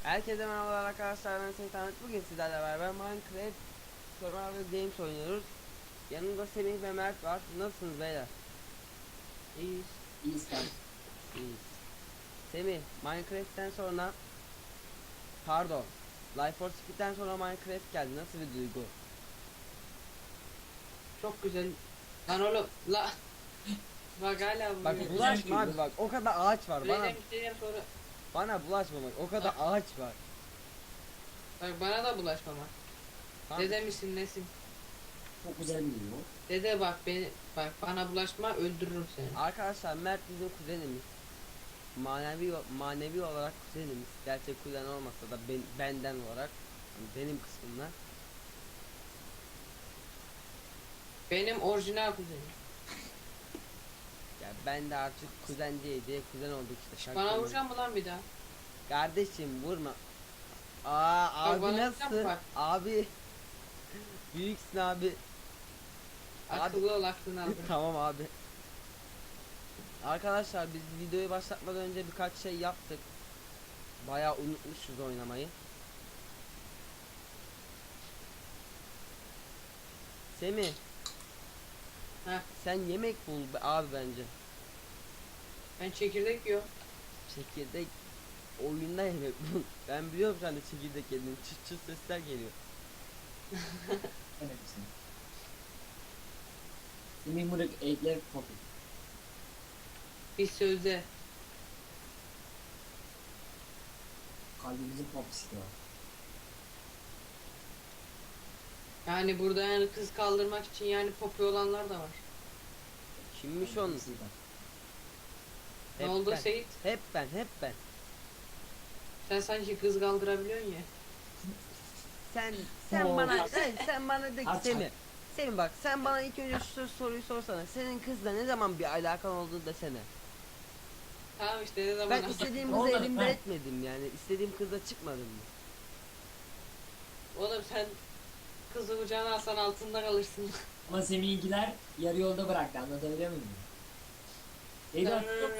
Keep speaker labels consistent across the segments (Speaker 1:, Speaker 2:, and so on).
Speaker 1: Herkese merhabalar arkadaşlar, ben Seyit Ahmet. Bugün sizlerle beraber Minecraft Survival Games oynuyoruz. Yanımda Semih ve Mert var. Nasılsınız beyler?
Speaker 2: İyiyiz.
Speaker 3: İyi sen.
Speaker 1: İyiyiz. Semih, Minecraft'ten sonra pardon Life for Speed'den sonra Minecraft geldi. Nasıl bir duygu?
Speaker 2: Çok güzel. Lan oğlum la. Bak hala
Speaker 1: Bak
Speaker 2: vuruyor.
Speaker 1: bulaşma abi, bak o kadar ağaç var.
Speaker 2: Söyleyeceğim isteyeceğim sonra.
Speaker 1: Bana bulaşma, bak o kadar ağaç var.
Speaker 2: Bak bana da bulaşmama.
Speaker 1: Tamam.
Speaker 2: Dede misin nesin?
Speaker 3: Çok güzel bir video.
Speaker 2: Dede bak bak bana bulaşma öldürürüm seni.
Speaker 1: Arkadaşlar Mert bizim kuzenimiz. Manevi olarak kuzenimiz. Gerçek kuzen olmasa da benden olarak, yani benim kısmımda.
Speaker 2: Benim orijinal kuzenim.
Speaker 1: Ya ben de artık kuzen diye kuzen olduk işte.
Speaker 2: Bana vuracak mı lan bir daha?
Speaker 1: Kardeşim vurma. Abi
Speaker 2: bana
Speaker 1: nasıl?
Speaker 2: vuracak bak.
Speaker 1: Abi büyüksün abi.
Speaker 2: Akıllı ol aklını aldım.
Speaker 1: Tamam abi. Arkadaşlar biz videoyu başlatmadan önce birkaç şey yaptık. Bayağı unutmuşuz oynamayı. Semih,
Speaker 2: Heh,
Speaker 1: sen yemek bul abi bence.
Speaker 2: ben çekirdek yiyorum.
Speaker 1: Çekirdek oyunda yemek bul. Ben biliyorum sen de çekirdek yedin. Çıt çıt sesler geliyor.
Speaker 3: Evet sen. Semih Murat Eğitler Popi.
Speaker 2: Bir sözde.
Speaker 3: Kalbimizin popisi de var.
Speaker 2: Yani burada yani kız kaldırmak için yani popi olanlar da var.
Speaker 1: Kimmiş onun?
Speaker 3: Popisi de.
Speaker 2: Ne
Speaker 1: Hep
Speaker 2: oldu
Speaker 1: ben.
Speaker 2: Seyit?
Speaker 1: Hep ben.
Speaker 2: Sen sanki kız kaldırabiliyorsun ya.
Speaker 1: Sen
Speaker 3: Oo.
Speaker 1: sen bana de ki
Speaker 3: Aç,
Speaker 1: Semih. Semih bak, sen bana ilk önce şu soruyu sorsana. Senin kızla ne zaman bir alakan olduğunu desene.
Speaker 2: Tamam işte ne zaman
Speaker 1: Ben istediğim
Speaker 3: Ne
Speaker 1: kızı
Speaker 3: oldu?
Speaker 1: elimden
Speaker 3: Ha.
Speaker 1: etmedim yani. İstediğim kızla çıkmadım mı?
Speaker 2: Oğlum sen kızı kucağına alsan altında kalırsın.
Speaker 3: Ama Semih'inkiler yarı yolda bıraktı, anlatabiliyor muyum? Neydi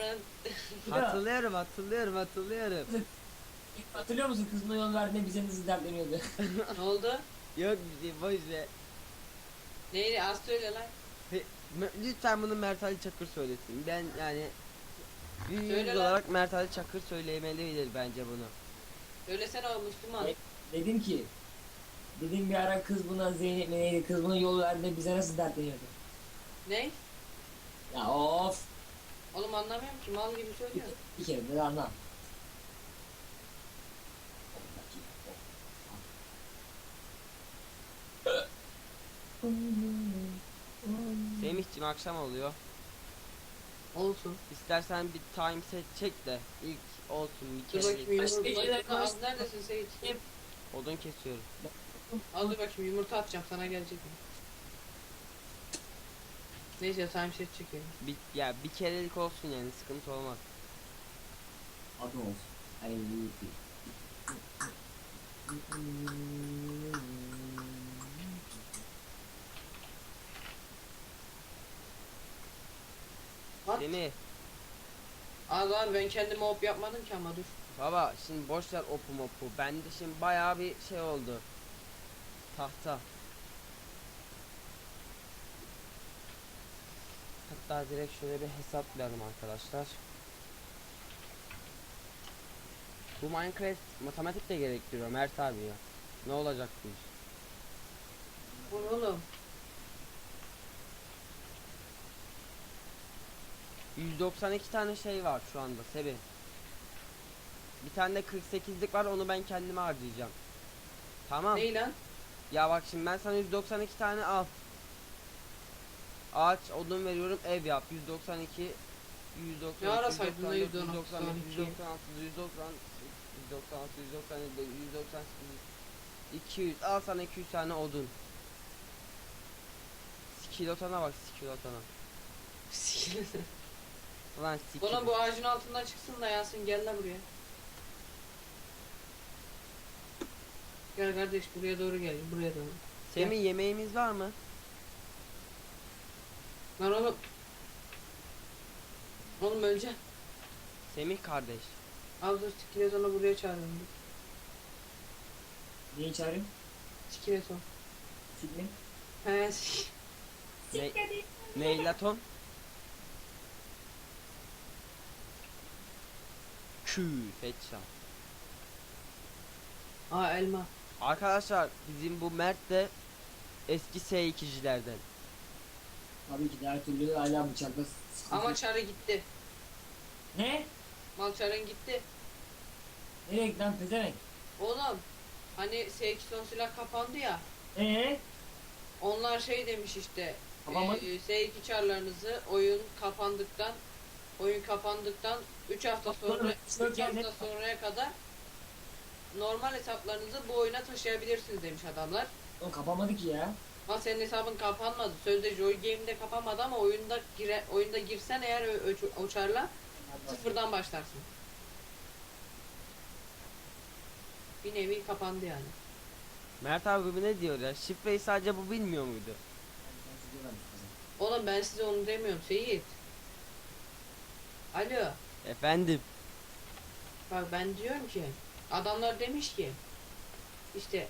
Speaker 1: Hatırlıyorum.
Speaker 3: hatırlıyor musun, kızına yol verdiğinde bize nasıl dertleniyordu?
Speaker 2: Ne oldu?
Speaker 1: Yok bir şey, boş ver.
Speaker 2: Neydi az söyle lan.
Speaker 1: Lütfen bunu Mert Ali Çakır söylesin. Ben yani büyüğümüz
Speaker 2: Söyle lan.
Speaker 1: olarak Mert Ali Çakır söylemelidir bence bunu.
Speaker 2: Söylesene o Müslüman.
Speaker 3: Dedim ki, dedim bir ara kız buna Zeynep mi neydi, kız buna yol verdiğinde bize nasıl dertleniyordu?
Speaker 2: Ne?
Speaker 3: Ya of!
Speaker 2: Oğlum anlamıyorum ki mal gibi söylüyor.
Speaker 3: Bir kere de anlam.
Speaker 1: Semih'cim akşam oluyor.
Speaker 2: Olsun.
Speaker 1: İstersen bir time set çek de ilk olsun bir
Speaker 2: Dur
Speaker 1: kere.
Speaker 2: bakayım
Speaker 3: Başka
Speaker 2: yumurta.
Speaker 3: şeyler
Speaker 2: Az neredesin Seyit?
Speaker 1: Odun kesiyorum.
Speaker 2: Al dur bakayım yumurta atacağım sana gelecek mi? Neyse time set çekelim.
Speaker 1: Bir kerelik olsun yani, sıkıntı olmaz.
Speaker 3: Adı olsun. Ay iyi.
Speaker 2: At.
Speaker 1: Semih
Speaker 2: Az abi ben kendime hop yapmadım ki ama dur.
Speaker 1: baba, şimdi boş ver opu mopu. Bende şimdi bayağı bir şey oldu. Tahta. Hatta direkt şöyle bir hesaplayalım arkadaşlar. Bu Minecraft matematik de gerektiriyor Mert abi ya. Ne olacak bu iş?
Speaker 2: Bu ne oğlum?
Speaker 1: 192 tane şey var şu anda Sebi. Bir tane de 48'lik var, onu ben kendime harcayacağım. Tamam.
Speaker 2: Ney lan?
Speaker 1: Ya bak şimdi ben sana 192 tane al. Ağaç odun veriyorum, ev yap. 192 190
Speaker 2: Ne ara saydın lan
Speaker 1: 191
Speaker 2: 192?
Speaker 1: 196 190 196 197 198 200, al sana 200 tane odun. Skilotana bak, skilotana. Ulan sikil.
Speaker 2: Oğlum bu ağacın altından çıksın da Yasin gel la buraya. Gel kardeş buraya doğru gel buraya doğru.
Speaker 1: Semih, yemeğimiz var mı?
Speaker 2: Lan oğlum. Oğlum öleceğim.
Speaker 1: Semih kardeş.
Speaker 2: Al dur sikile sonra buraya çağırıyorum.
Speaker 3: Neyi çağırayım?
Speaker 2: Skeleton.
Speaker 3: Sikmin.
Speaker 2: He
Speaker 1: Ne, Neylaton. Headshot.
Speaker 2: Aa elma.
Speaker 1: Arkadaşlar bizim bu Mert de eski S2'cilerden.
Speaker 3: Tabii ki de her türlü hala bıçakla sıkıntı.
Speaker 2: Ama çarı gitti.
Speaker 3: Ne?
Speaker 2: Mal çarın gitti.
Speaker 3: Nereye gitti lan pezevenk?
Speaker 2: Oğlum hani S2 son silah kapandı ya.
Speaker 3: Eee?
Speaker 2: Onlar şey demiş işte.
Speaker 3: Kapanmadı.
Speaker 2: S2 çarlarınızı oyun kapandıktan 3 hafta sonra
Speaker 3: Sonra
Speaker 2: 3 hafta sonraya kadar normal hesaplarınızı bu oyuna taşıyabilirsiniz demiş adamlar.
Speaker 3: O kapanmadı ki ya.
Speaker 2: Ama senin hesabın kapanmadı. Sözde Joy Game'de kapanmadı ama oyunda girsen eğer o çarla sıfırdan başlarsın. Bir nevi kapandı yani.
Speaker 1: Mert abi bu ne diyor ya? Şifreyi sadece bu bilmiyor muydu?
Speaker 2: Oğlum ben size onu demiyorum Seyit. Alo.
Speaker 1: Efendim.
Speaker 2: Bak ben diyorum ki adamlar demiş ki işte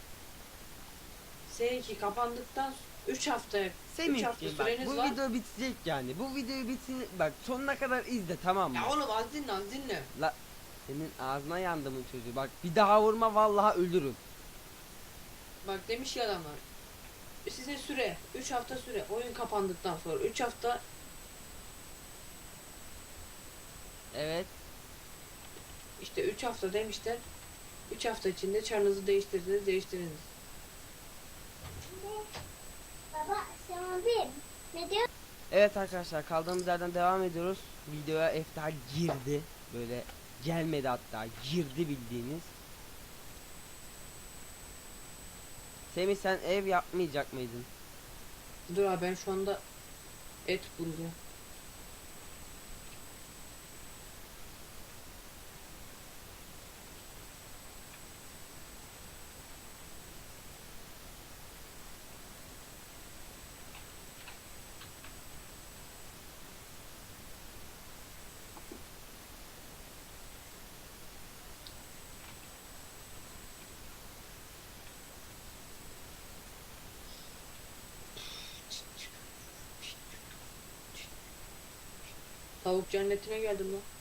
Speaker 2: S2 kapandıktan 3 hafta 3 hafta
Speaker 1: Semih'ciğim bak
Speaker 2: süreniz
Speaker 1: bu
Speaker 2: var.
Speaker 1: video bitecek yani. Bu videoyu bitsin bak sonuna kadar izle tamam mı?
Speaker 2: Ya oğlum az dinle az dinle.
Speaker 1: La senin ağzına yandımın çocuğu. Bak bir daha vurma vallahi ölürüm.
Speaker 2: Bak demiş ya adamlar. Size süre 3 hafta süre oyun kapandıktan sonra 3 hafta
Speaker 1: Evet.
Speaker 2: işte 3 hafta demişler. 3 hafta içinde çarınızı değiştiriniz.
Speaker 4: Baba sen abi ne diyor?
Speaker 1: Evet arkadaşlar kaldığımız yerden devam ediyoruz. Videoya Efta girdi. Böyle gelmedi hatta girdi bildiğiniz. Semih sen ev yapmayacak mıydın?
Speaker 2: Dur abi ben şu anda et bulacağım. Tavuk cennetine geldim lan.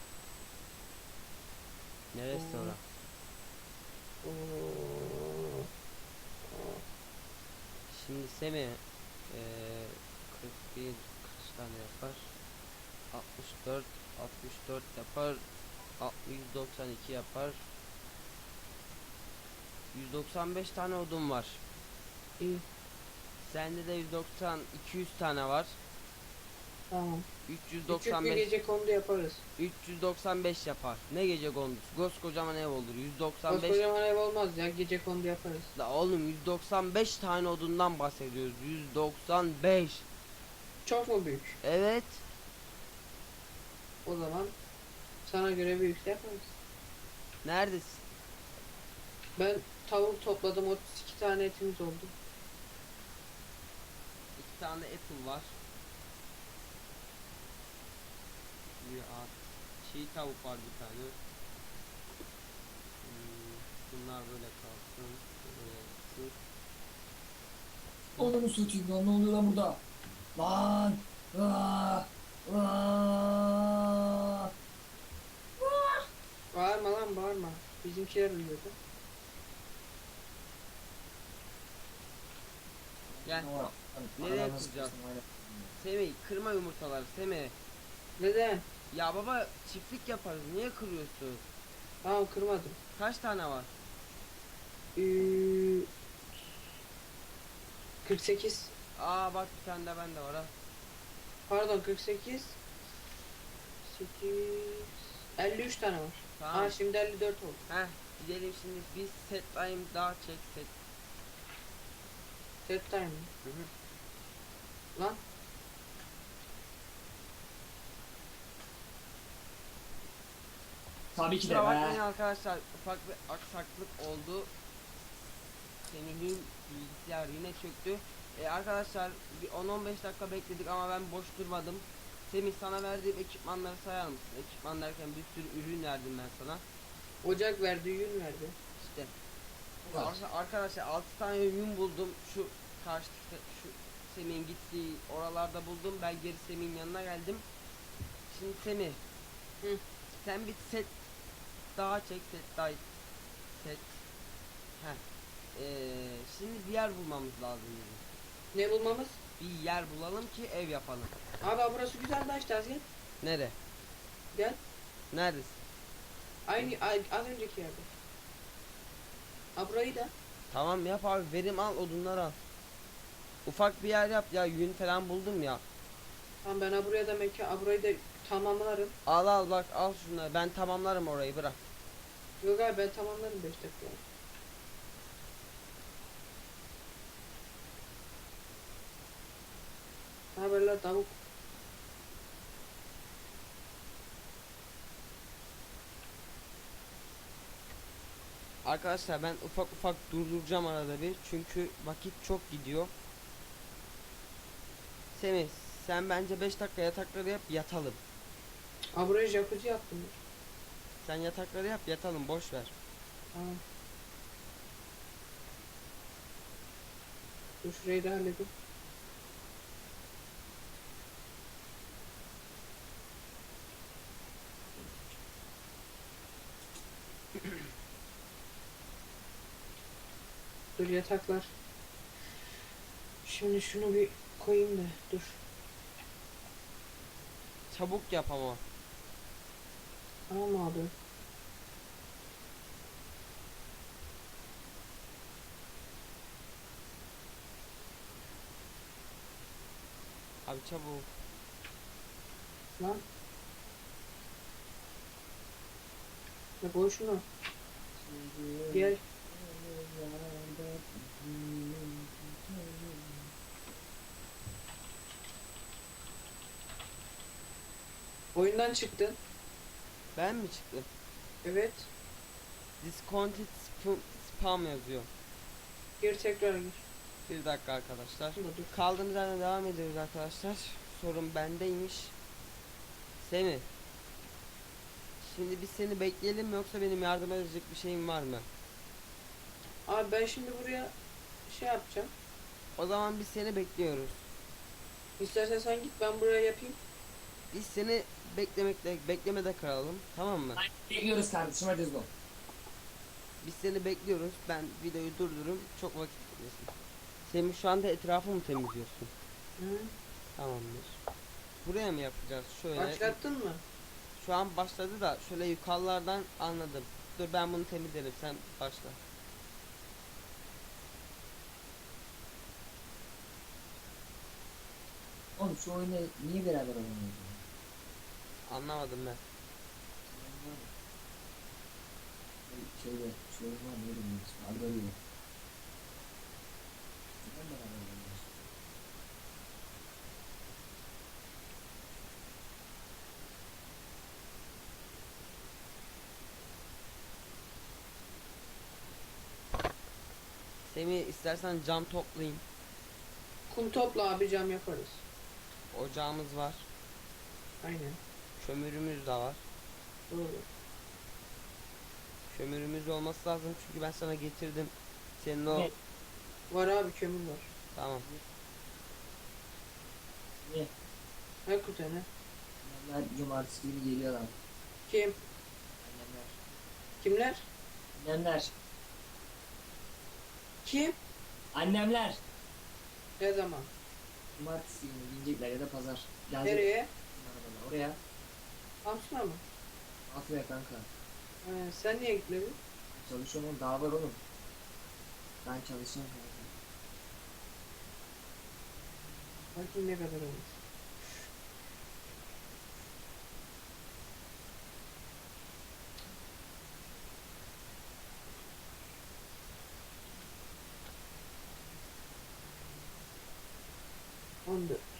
Speaker 1: Neresi
Speaker 2: Oo.
Speaker 1: ora?
Speaker 2: Oo.
Speaker 1: Şimdi Semih 41 kaç tane yapar? 64 yapar. 192 yapar. 195 tane odun var.
Speaker 2: İyi.
Speaker 1: Sende de 200 tane var.
Speaker 2: Tamam. Küçük bir
Speaker 1: 395
Speaker 2: gece kondu yaparız.
Speaker 1: 395 yapar. Ne gece kondusu? Koskocaman ev olur. 195
Speaker 2: Koskocaman ev olmaz ya gece kondu yaparız.
Speaker 1: la oğlum 195 tane odundan bahsediyoruz. 195.
Speaker 2: Çok mu büyük?
Speaker 1: Evet.
Speaker 2: O zaman sana göre büyükse yaparız.
Speaker 1: Neredesin?
Speaker 2: Ben tavuk topladım 32 tane etimiz oldu.
Speaker 1: 2 tane apple var. Bir at. Çiğ tavuk var bir tane. Bunlar böyle kalsın. Böyle kalsın.
Speaker 3: Onu mu satayım lan, ne oluyor lan burada? Lan! Aa! Aa!
Speaker 2: Bağırma lan bağırma. Bizimkiler uyuyordu.
Speaker 1: Gel.
Speaker 3: Ne var?
Speaker 1: Nereye
Speaker 3: Adam nasıl
Speaker 1: kuracağız?
Speaker 3: kırsın, hala.
Speaker 1: Semih kırma yumurtaları Semih.
Speaker 2: Neden?
Speaker 1: Ya baba çiftlik yaparız niye kırıyorsun?
Speaker 2: Tamam kırmadım.
Speaker 1: Kaç tane var?
Speaker 2: Ee, 48.
Speaker 1: Aa bak bir tane de bende var ha.
Speaker 2: Pardon 48. 8. 53 tane var.
Speaker 1: Tamam.
Speaker 2: Aa şimdi 54 oldu.
Speaker 1: Heh gidelim şimdi biz set time daha çek set.
Speaker 2: Set time mi?
Speaker 1: Hı hı.
Speaker 2: Lan.
Speaker 3: Tabii ki de
Speaker 1: Kusura bakmayın
Speaker 3: be.
Speaker 1: arkadaşlar ufak bir aksaklık oldu. Semih'in bilgisayar yine çöktü. Arkadaşlar bir 10-15 dakika bekledik ama ben boş durmadım. Semih sana verdiğim ekipmanları sayar mısın? Ekipman derken bir sürü ürün verdim ben sana.
Speaker 2: Ocak verdi, yün verdi.
Speaker 1: İşte
Speaker 3: kaç.
Speaker 1: Arkadaşlar 6 tane yün buldum. Şu karşı şu Semih'in gittiği oralarda buldum. Ben geri Semih'in yanına geldim. Şimdi Semih.
Speaker 2: Hı.
Speaker 1: Sen bir set daha çek, set daha set. Heh. Şimdi bir yer bulmamız lazım bizim.
Speaker 2: Ne bulmamız?
Speaker 1: Bir yer bulalım ki ev yapalım.
Speaker 2: Abi burası güzel de işte, gel.
Speaker 1: Nere?
Speaker 2: Gel.
Speaker 1: Neredesin?
Speaker 2: Az önceki yerde. Ha burayı da.
Speaker 1: Tamam yap abi, verim al, odunları al. Ufak bir yer yap ya, yün falan buldum ya.
Speaker 2: Tamam ben buraya da burayı da tamamlarım.
Speaker 1: Al al bak, al şunları, ben tamamlarım orayı, bırak.
Speaker 2: Yok abi ben tamamlarım 5 dakika. Ne haberler tavuk?
Speaker 1: Arkadaşlar ben ufak ufak durduracağım arada bir, çünkü vakit çok gidiyor. Semih, sen bence 5 dakika yatakları yap, yatalım.
Speaker 2: Ha buraya jacuzzi yaptım.
Speaker 1: Sen yatakları yap, yatalım, boş ver.
Speaker 2: Tamam. Dur şurayı da halledin. Dur yataklar. Şimdi şunu bir koyayım da dur.
Speaker 1: Çabuk yap ama.
Speaker 2: Tamam abi.
Speaker 1: Abi çabuk.
Speaker 2: Lan. Ya koy şunu. Gel. Oyundan çıktın.
Speaker 1: Ben mi çıktım?
Speaker 2: Evet.
Speaker 1: Discounted spam yazıyor.
Speaker 2: Gir tekrar gir.
Speaker 1: Bir dakika arkadaşlar.
Speaker 2: Şurada dur.
Speaker 1: Kaldığımız yerden devam ediyoruz arkadaşlar. Sorun bendeymiş. Semih. Şimdi biz seni bekleyelim mi, yoksa benim yardım edecek bir şeyim var mı?
Speaker 2: Abi ben şimdi buraya şey yapacağım.
Speaker 1: O zaman biz seni bekliyoruz.
Speaker 2: İstersen sen git ben buraya yapayım.
Speaker 1: Biz seni beklemede kalalım, tamam mı?
Speaker 3: Bekliyoruz kardeşim, hadi hızlı ol.
Speaker 1: Biz seni bekliyoruz. Ben videoyu durdururum. Çok vakit gitmesin. Semih, şu anda etrafı mı temizliyorsun?
Speaker 2: Hı.
Speaker 1: Tamamdır. Buraya mı yapacağız? Şöyle.
Speaker 2: Başlattın mı?
Speaker 1: Şu an başladı da şöyle yukarılardan anladım. Dur ben bunu temizlerim, sen başla.
Speaker 3: Oğlum şu oyunu niye beraber oynamıyoruz?
Speaker 1: Anlamadım ben.
Speaker 3: Şeyde, şu oyun var, neydi bunun ismi? Algoritma. Neden beraber oynamıyoruz?
Speaker 1: Semih, istersen cam toplayayım.
Speaker 2: Kum topla abi cam yaparız.
Speaker 1: Ocağımız var.
Speaker 2: Aynen.
Speaker 1: Kömürümüz de var.
Speaker 2: Doğru.
Speaker 1: Kömürümüz olması lazım, çünkü ben sana getirdim. Senin o...
Speaker 3: Evet.
Speaker 2: Var abi kömür var.
Speaker 1: Tamam.
Speaker 3: Niye?
Speaker 2: Hakikaten ha.
Speaker 3: Annemler cumartesi günü geliyorlar.
Speaker 2: Kim?
Speaker 3: Annemler.
Speaker 2: Kimler?
Speaker 3: Annemler.
Speaker 2: Kim?
Speaker 3: Annemler.
Speaker 2: Ne zaman?
Speaker 3: Cumartesi günü gelecekler ya da pazar.
Speaker 2: Nereye?
Speaker 3: Oraya.
Speaker 2: Samsun'a mı?
Speaker 3: Afya kanka.
Speaker 2: Sen niye gitmedin?
Speaker 3: Çalışıyorum oğlum, daha var oğlum. Ben çalışıyorum kanka.
Speaker 2: Bakayım ne kadar olmuş. On dört.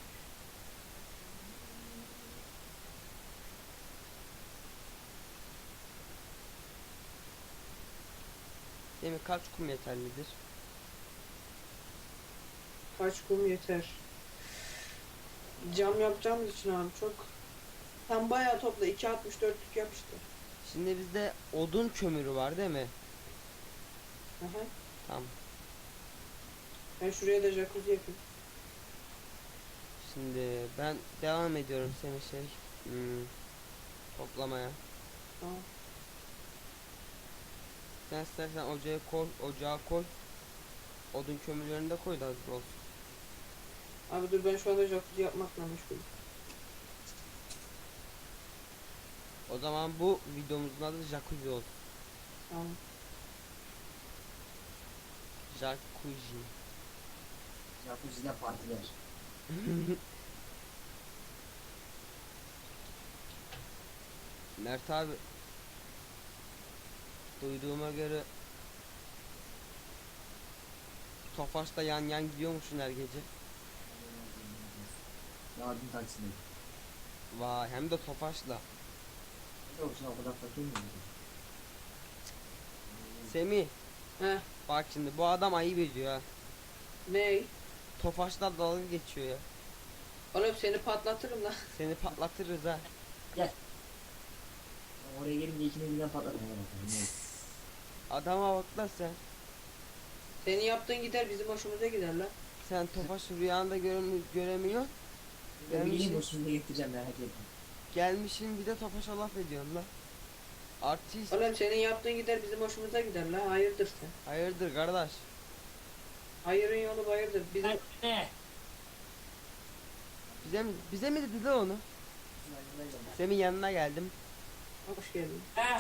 Speaker 1: Semih, kaç kum yeterlidir?
Speaker 2: Kaç kum yeter? Cam yapacağımız için abi çok. Sen bayağı topla 2.64'lük yap işte.
Speaker 1: Şimdi bizde odun kömürü var değil mi?
Speaker 2: Aha.
Speaker 1: Tamam.
Speaker 2: Ben şuraya da jacuzzi yapayım.
Speaker 1: Şimdi ben devam ediyorum seni toplamaya.
Speaker 2: Tamam.
Speaker 1: Sen istersen ocağa koy. Odun kömürlerini de koy da hazır olsun.
Speaker 2: Abi dur, ben şu anda jacuzzi yapmakla meşgulüm.
Speaker 1: O zaman bu videomuzun adı jacuzzi olsun.
Speaker 2: Tamam.
Speaker 1: Jacuzzi.
Speaker 3: Jacuzzi'de partiler.
Speaker 1: Mert abi, duyduğuma göre Tofaş'ta yan yan gidiyormuşsun her gece.
Speaker 3: Yardım taksine.
Speaker 1: Vay, hem de Tofaş'la.
Speaker 3: Yok şu an o kadar fakir miyim?
Speaker 1: Semih,
Speaker 2: Heh.
Speaker 1: bak şimdi bu adam ayıp ediyor ha.
Speaker 2: Ney?
Speaker 1: Tofaş'la dalga geçiyor ya.
Speaker 2: Oğlum seni patlatırım lan.
Speaker 1: Seni patlatırız ha.
Speaker 3: Oraya gelince ikimiz birden patladı.
Speaker 1: Adama bak lan sen.
Speaker 2: Senin yaptığın gider bizim hoşumuza gider lan.
Speaker 1: Sen Tofaş'ı rüyanda göremiyor.
Speaker 3: Ben bileyim
Speaker 1: Gelmişsin,
Speaker 3: hoşunuza getireceğim merak etme.
Speaker 1: gelmişsin bir de Tofaş'a laf ediyorsun lan. Artist.
Speaker 2: Oğlum senin yaptığın gider bizim hoşumuza gider lan. Hayırdır sen?
Speaker 1: Hayırdır kardeş?
Speaker 2: Hayırın yolu bayırdır. Bizim
Speaker 3: Ne?
Speaker 1: Bize mi dedi lan onu? Semih yanına geldim.
Speaker 2: hoş geldin.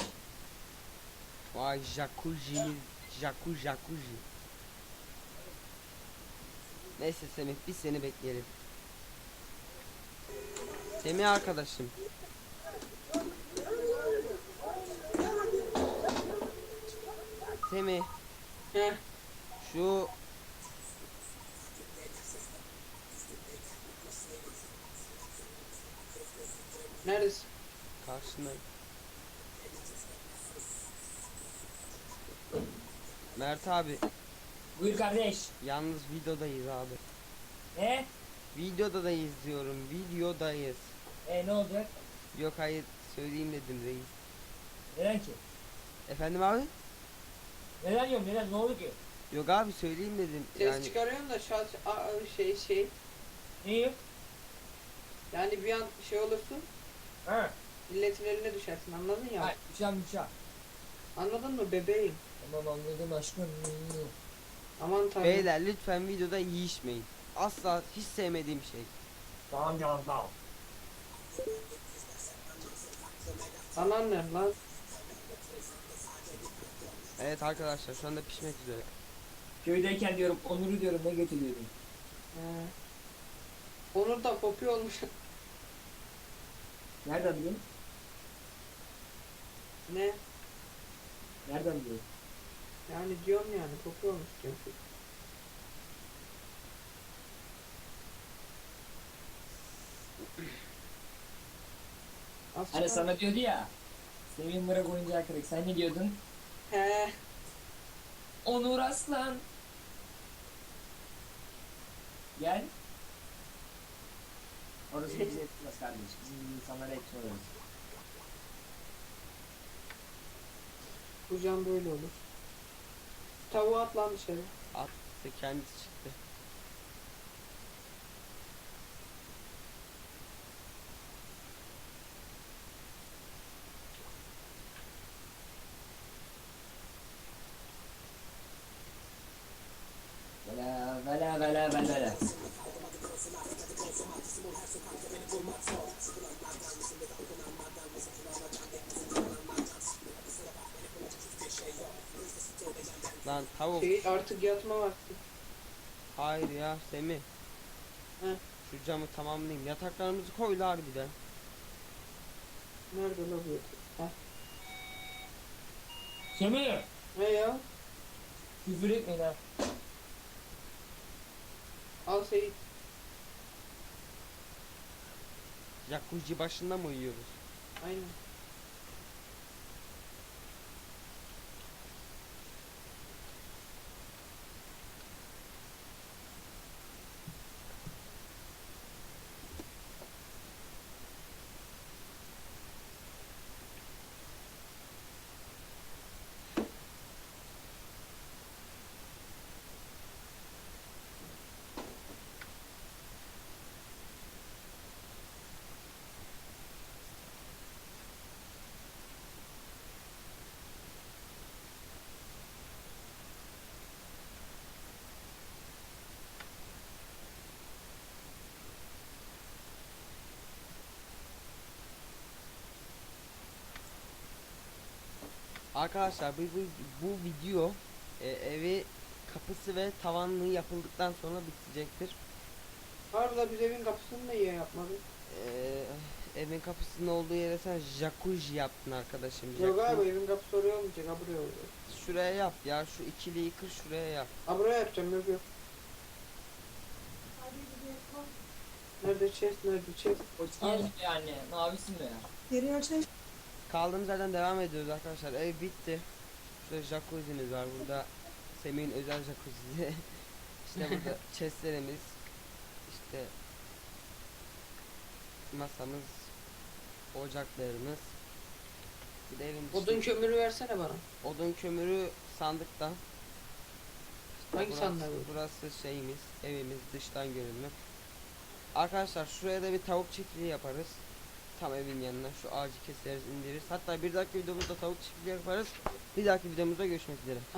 Speaker 1: Vay jacuzzi. Neyse Semih, biz seni bekleyelim. Semih arkadaşım. Semih,
Speaker 2: Heh.
Speaker 1: şu
Speaker 2: Neredesin?
Speaker 1: karşındayım. Mert abi,
Speaker 3: Buyur kardeş.
Speaker 1: yalnız videodayız abi.
Speaker 3: Ne?
Speaker 1: Videodayız diyorum, videodayız.
Speaker 3: Ne olacak?
Speaker 1: Yok hayır, söyleyeyim dedim reis.
Speaker 3: Neden ki?
Speaker 1: Efendim abi?
Speaker 3: Neden yok neden ne oldu ki?
Speaker 1: Yok abi, söyleyeyim dedim.
Speaker 2: Ses
Speaker 1: Yani
Speaker 2: çıkarıyorsun da şey.
Speaker 3: Neyi?
Speaker 2: Yani bir an şey olursun.
Speaker 3: Ha.
Speaker 2: Milletin eline düşersin, anladın ya?
Speaker 3: Hayır düşen.
Speaker 2: Anladın mı bebeğim?
Speaker 3: Tamam anladım aşkım.
Speaker 2: Aman tanrım.
Speaker 1: beyler lütfen videoda yiyişmeyin. Asla hiç sevmediğim şey.
Speaker 3: Tamam canım tamam.
Speaker 2: Anan ne lan?
Speaker 1: Evet arkadaşlar, şu anda pişmek üzere.
Speaker 3: Köydeyken diyorum Onur'u diyorum ne getiriyordun?
Speaker 2: Onur da kopuyor olmuş.
Speaker 3: Nereden biliyorsun?
Speaker 2: Ne?
Speaker 3: Nereden biliyorsun?
Speaker 2: Yani diyorum yani kopuyor olmuş diyorum. Az
Speaker 3: Hani
Speaker 2: çıkar-
Speaker 3: sana diyordu ya. Sevin bırak oyuncağı kırık. Sen ne diyordun?
Speaker 2: He.
Speaker 3: Onur Aslan. Gel. Orası bize etmez kardeş. Bizim gibi insanlara etmiyoruz.
Speaker 2: Bu can böyle olur. Tavuğu at lan dışarı.
Speaker 1: Attı, kendisi çıktı.
Speaker 3: Vela.
Speaker 1: Lan tavuk.
Speaker 2: Şey, artık yatma vakti.
Speaker 1: Hayır ya Semih.
Speaker 2: He.
Speaker 1: Şu camı tamamlayayım. Yataklarımızı koy la harbiden.
Speaker 2: Nerede la bu? Heh.
Speaker 3: Semih.
Speaker 2: Ne ya?
Speaker 3: Küfür etmeyin ha.
Speaker 2: Al Seyit.
Speaker 1: Jacuzzi başında mı uyuyoruz?
Speaker 2: Aynen.
Speaker 1: Arkadaşlar bu video evi kapısı ve tavanlığı yapıldıktan sonra bitecektir.
Speaker 2: Harbi biz evin kapısını da iyi yapmadık.
Speaker 1: Evin kapısının olduğu yere sen jacuzzi yaptın arkadaşım.
Speaker 2: Yok
Speaker 1: Jacuzzi.
Speaker 2: abi evin kapısı oraya olmayacak. Ha buraya olacak.
Speaker 1: Şuraya yap ya, şu ikiliyi kır şuraya yap.
Speaker 2: Ha buraya yapacağım yok yok. Nerede chest nerede chest?
Speaker 3: O çiğ mi yani? Mavisi mi?
Speaker 5: Geri açayım.
Speaker 1: Kaldığımız yerden devam ediyoruz arkadaşlar. Ev bitti. Şurada jacuzzi'miz var. Burada Semih'in özel jacuzzi. İşte burada chestlerimiz. İşte masamız, ocaklarımız. Bir de evin
Speaker 2: Odun kömürü versene bana.
Speaker 1: odun kömürü sandıkta. İşte
Speaker 2: Hangi
Speaker 1: burası,
Speaker 2: sandığa koydun?
Speaker 1: burası şeyimiz, evimiz dıştan görünümü. Arkadaşlar şuraya da bir tavuk çiftliği yaparız. Tam evin yanına şu ağacı keseriz, indiririz. Hatta bir dahaki videomuzda tavuk çiftliği yaparız. Bir dahaki videomuzda görüşmek üzere.